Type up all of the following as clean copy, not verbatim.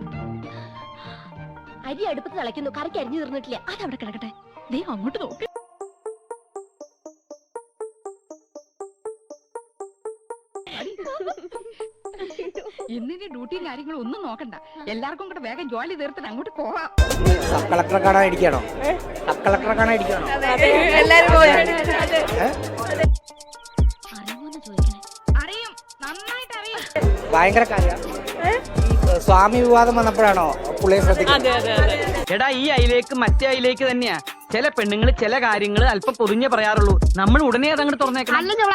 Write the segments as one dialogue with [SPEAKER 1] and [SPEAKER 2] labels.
[SPEAKER 1] അരി അടുപ്പത്ത് തിളയ്ക്കുന്നു, കറിക്ക് അരിഞ്ഞു തീർന്നിട്ടില്ല.
[SPEAKER 2] അതവിടെ കിടക്കട്ടെ, ദേ അങ്ങോട്ട് നോക്ക്. ഇന്നിന്റെ ഡ്യൂട്ടിയും കാര്യങ്ങളും ഒന്നും നോക്കണ്ട, എല്ലാവർക്കും കൂടെ വേഗം ജോലി തീർത്തിട്ട് അങ്ങോട്ട് പോവാം.
[SPEAKER 3] സബ് കളക്ടറെ കാണാൻ ഇരിക്കണോ? സബ് കളക്ടറെ കാണാൻ ഇരിക്കണോ?
[SPEAKER 2] അറിയും, നന്നായിട്ട് അറിയും.
[SPEAKER 3] ഭയങ്കര കാര്യം. സ്വാമി വിവാദം വന്നപ്പോഴാണോ പുള്ളിയെ ശ്രദ്ധിക്കുന്നത്?
[SPEAKER 4] എടാ, ഈ അയിലേക്ക് മറ്റേ അയിലേക്ക് തന്നെയാ. ചില പെണ്ണുങ്ങൾ ചില കാര്യങ്ങൾ അല്പം പൊതിഞ്ഞേ പറയാറുള്ളൂ. നമ്മൾ ഉടനെ അതങ്ങോട്ട് തുറന്നേക്കണം.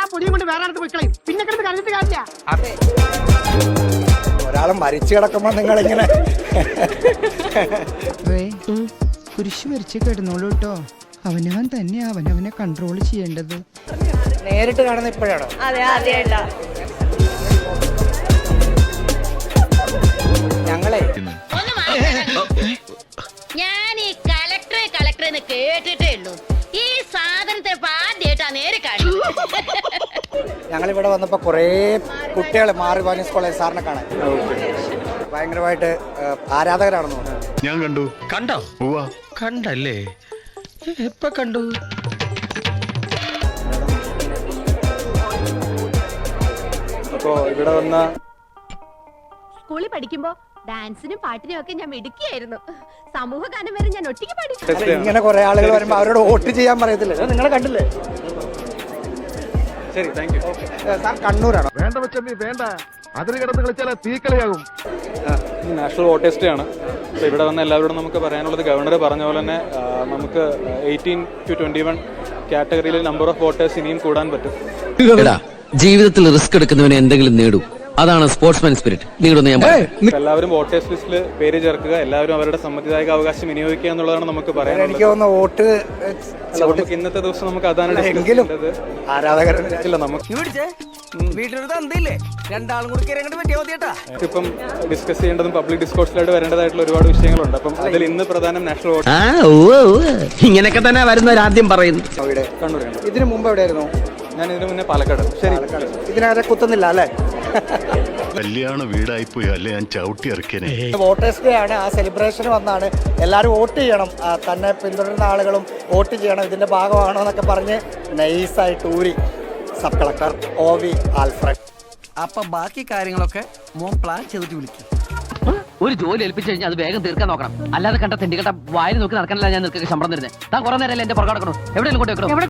[SPEAKER 3] അതെ, ഒരാളെ മരിച്ചു കിടക്കുമ്പോ നിങ്ങളിങ്ങനെ
[SPEAKER 5] കുരിശ് വരച്ച് കിടന്നോളൂ കേട്ടോ. അവനവൻ തന്നെ അവനവനെ കൺട്രോൾ ചെയ്യേണ്ടത്.
[SPEAKER 3] നേരിട്ട് കാണുന്ന ഇപ്പോഴാണോ? ഞങ്ങളെ
[SPEAKER 1] ഞാൻ ഈ കളക്ടറെ കേട്ടിട്ടേ ഉള്ളൂ. ഈ സാധനത്തെ ആദ്യമായിട്ടാ നേരെ കാണുന്നത്.
[SPEAKER 3] ഞങ്ങളിവിടെ വന്നപ്പോ കുറേ കുട്ടികൾ മാറി വാനിസ് കോളേജ് സാറിനെ കാണാൻ ഭയങ്കരമായിട്ട് ആരാധകരാണെന്ന് തോന്നുന്നു.
[SPEAKER 6] ഞാൻ കണ്ടു.
[SPEAKER 7] കണ്ടോ? കണ്ടല്ലേ? എപ്പോ കണ്ടു?
[SPEAKER 3] അപ്പോ ഇവിടെ വന്ന
[SPEAKER 1] സ്കൂളിൽ പഠിക്കുമ്പോ ഡാൻസിനും പാട്ടിനും ഒക്കെ ഞാൻ മിടുക്കിയായിരുന്നു. സമൂഹ ഗാനം വരെ ഞാൻ ഒറ്റയ്ക്ക് പാടി.
[SPEAKER 3] ഇങ്ങനെ കുറെ ആളുകൾ വരുമ്പോ അവരോട് വോട്ട് ചെയ്യാൻ പറയത്തില്ലേ? നിങ്ങളെ കണ്ടില്ലേ? ശരി, താങ്ക് യു. സാർ കണ്ണൂരാണോ?
[SPEAKER 6] വേണ്ട വെച്ചി വേണ്ട, അതിന് കിടന്ന് കളിച്ചാൽ തീക്കളിയാകും.
[SPEAKER 8] നാഷണൽ വോട്ടേഴ്സ് ഡേ ആണ്. അപ്പോൾ ഇവിടെ വന്ന എല്ലാവരോടും നമുക്ക് പറയാനുള്ളത്, ഗവർണർ പറഞ്ഞ പോലെ തന്നെ നമുക്ക് 18 to 21 കാറ്റഗറിയിൽ നമ്പർ ഓഫ് വോട്ടേഴ്സ് ഇനിയും കൂടാൻ പറ്റും.
[SPEAKER 7] ജീവിതത്തിൽ റിസ്ക് എടുക്കുന്നവന് എന്തെങ്കിലും നേടും. അതാണ് സ്പോർട്സ്മാൻ സ്പിരിറ്റ്. നേടുന്ന ഞാൻ
[SPEAKER 8] എല്ലാവരും വോട്ടേഴ്സ് ലിസ്റ്റിൽ പേര് ചേർക്കുക, എല്ലാവരും അവരുടെ സമ്മതിദായക അവകാശം വിനിയോഗിക്കുക എന്നുള്ളതാണ് നമുക്ക് പറയാനുള്ളത്.
[SPEAKER 3] എനിക്ക് തോന്നുന്നു വോട്ട്
[SPEAKER 8] നമുക്ക് ഇന്നത്തെ ദിവസം നമുക്ക് അതാണ് ആരാധകരില്ല. നമുക്ക് ഇപ്പം ഡിസ്കസ് ചെയ്യേണ്ടതും പബ്ലിക് ഡിസ്കോഴ്സിലായിട്ട് വരേണ്ടതായിട്ടുള്ള ഒരുപാട് വിഷയങ്ങളുണ്ട്. അപ്പം അതിൽ ഇന്ന് പ്രധാനം നാഷണൽ വോട്ട്.
[SPEAKER 7] ഇങ്ങനെയൊക്കെ തന്നെ വരുന്നവരാദ്യം പറയുന്നു.
[SPEAKER 8] കണ്ണൂരാണ്.
[SPEAKER 3] ഇതിനു മുമ്പ് എവിടെയായിരുന്നു?
[SPEAKER 8] ഞാൻ ഇതിനു മുന്നേ പാലക്കാട്. ശരി,
[SPEAKER 3] ഇതിനകത്തെ കുത്തുന്നില്ല അല്ലേ?
[SPEAKER 6] കല്യാണ വീടായിപ്പോയി അല്ലേ, ഞാൻ ചവിട്ടി ഇറക്കിയനെ.
[SPEAKER 3] വോട്ടേഴ്സ് ഡേ ആണ്, ആ സെലിബ്രേഷൻ വന്നാണ്. എല്ലാവരും വോട്ട് ചെയ്യണം, തന്നെ പിന്തുടരുന്ന ആളുകളും വോട്ട് ചെയ്യണം, ഇതിന്റെ ഭാഗമാണോ എന്നൊക്കെ പറഞ്ഞ് നൈസായിട്ട് ഊരി സബ് കളക്ടർ OV ആൽഫ്രഡ്.
[SPEAKER 7] അപ്പൊ ബാക്കി കാര്യങ്ങളൊക്കെ മോൻ പ്ലാൻ ചെയ്തിട്ട് വിളിക്കും. ഒരു ജോലി ഏൽപ്പിച്ചു കഴിഞ്ഞാൽ അത് വേഗം തീർക്കാൻ നോക്കണം. അല്ലാതെ കണ്ട തെണ്ടിക്കട്ട വായിൽ നോക്കി നടക്കാനല്ല ഞാൻ നിൽക്കുക ശമ്പളം തരുന്നത്. താൻ കുറെ നേരം എന്റെ പുറകെ നടക്കണോ? എവിടെയെങ്കിലും കൊണ്ടുവെക്കണോ?